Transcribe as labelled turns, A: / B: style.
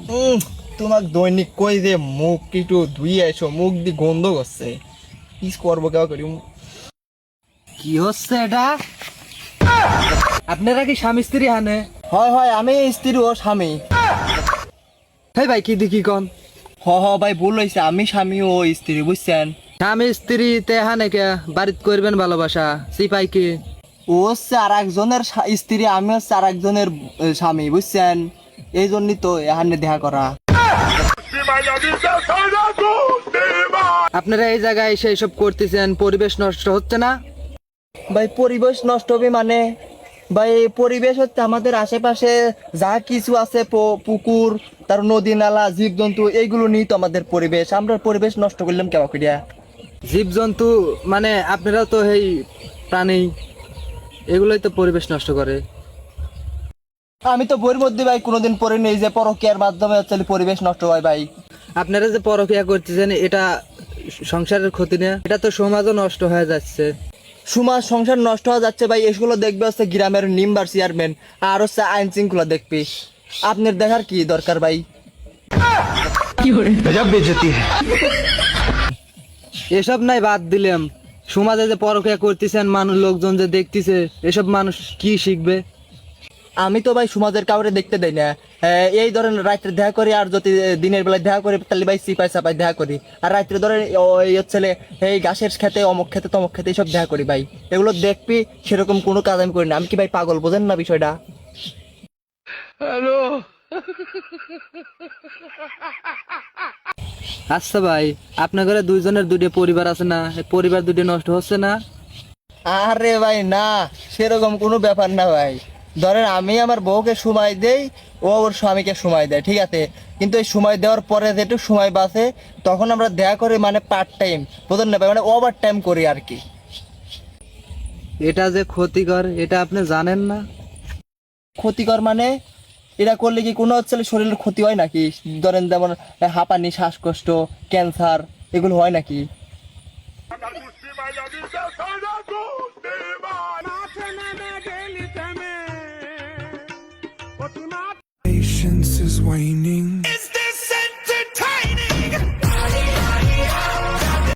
A: তোমাক দৈনিক কই যে মুখ একটু ধুই আইসো, মুখ দি গন্ধ করছে। কি করবো কেউ করি।
B: কি হচ্ছে এটা? আপনারা কি স্বামী স্ত্রী হানে?
A: হয় হয়, আমি স্ত্রী ও স্বামী।
B: হেই ভাই কি দেখি কন?
A: ভাই ভুল হয়েছে, আমি স্বামী ও স্ত্রী, বুঝছেন?
B: স্বামী স্ত্রী তে হানে কে বাড়িত করবেন ভালোবাসা সিপাই কি?
A: ও হচ্ছে আর একজনের স্ত্রী, আমি হচ্ছে আর একজনের স্বামী, বুঝছেন? এই জন্যই তো এখানে দেখা করা।
B: আপনারা এই জায়গায় এসে এসব করতেছেন, পরিবেশ নষ্ট হচ্ছে না?
A: ভাই পরিবেশ নষ্ট হবে মানে? ভাই পরিবেশ হচ্ছে আমাদের আশেপাশে যা কিছু আছে, পুকুর, তার নদী নালা, জীবজন্তু, এইগুলো নিয়ে তো আমাদের পরিবেশ। আমরা পরিবেশ নষ্ট করলাম কেন করিয়া?
B: জীবজন্তু মানে আপনারা তো এই প্রাণী, এগুলোই তো পরিবেশ নষ্ট করে।
A: আমি তো বইয়ের মধ্যে ভাই কোনোদিন পড়ি নেই যে পরকীয়ার মাধ্যমে হচ্ছে পরিবেশ নষ্ট হয় ভাই।
B: আপনারা যে পরক্রিয়া করতেছেন এটা সংসারের ক্ষতি না, এটা তো সমাজও নষ্ট হয়ে যাচ্ছে।
A: সমাজ সংসার নষ্ট হয়ে যাচ্ছে ভাই। এগুলো দেখবে হচ্ছে গ্রামের মেম্বার চেয়ারম্যান, আর হচ্ছে আইন শৃঙ্খলা দেখবি। আপনার দেখার কি দরকার ভাই?
B: এসব নাই বাদ দিলাম, সমাজে যে পরক্রিয়া করতেছেন মানুষ, লোকজন যে দেখতেছে, এসব মানুষ কি শিখবে?
A: আমি তো ভাই সমাজের কাউরে দেখতে দেই না। এই ধরেন রাত্রে দেখা করি, আর যদি দিনের বেলায় দেখা করি তাহলে ভাই সিপাই সাপাই দেখা করি। আর রাত্রে ধরেন ওই হচ্ছে এই ঘাসের খেতে, অমুক খেতে, তমুক খেতে, এইসব দেখা করি ভাই। এগুলো দেখবি, সেরকম কোনো কাজ আমি করি না। আমি কি ভাই পাগল, বোঝেন না বিষয়টা?
B: আচ্ছা ভাই, আপনার ঘরে দুইজনের দুটো পরিবার আছে না, এই পরিবার দুটো নষ্ট হচ্ছে না?
A: আরে ভাই না, সেরকম কোনো ব্যাপার না ভাই। ধরেন আমি আমার বউকে সময় দেই, ও ওর স্বামীকে সময় দেয়, ঠিক আছে। কিন্তু এই সময় দেওয়ার পরে যেটুকু সময় বাঁচে তখন আমরা দেখা করি, মানে পার্ট টাইম, বোঝেন না ভাই, মানে ওভার টাইম করি আর কি।
B: এটা যে ক্ষতিকর এটা আপনি জানেন না?
A: ক্ষতিকর মানে? এটা করলে কি কোনো হচ্ছে শরীরের ক্ষতি হয় নাকি? ধরেন যেমন হাঁপানি, শ্বাসকষ্ট, ক্যান্সার, এগুলো হয় নাকি?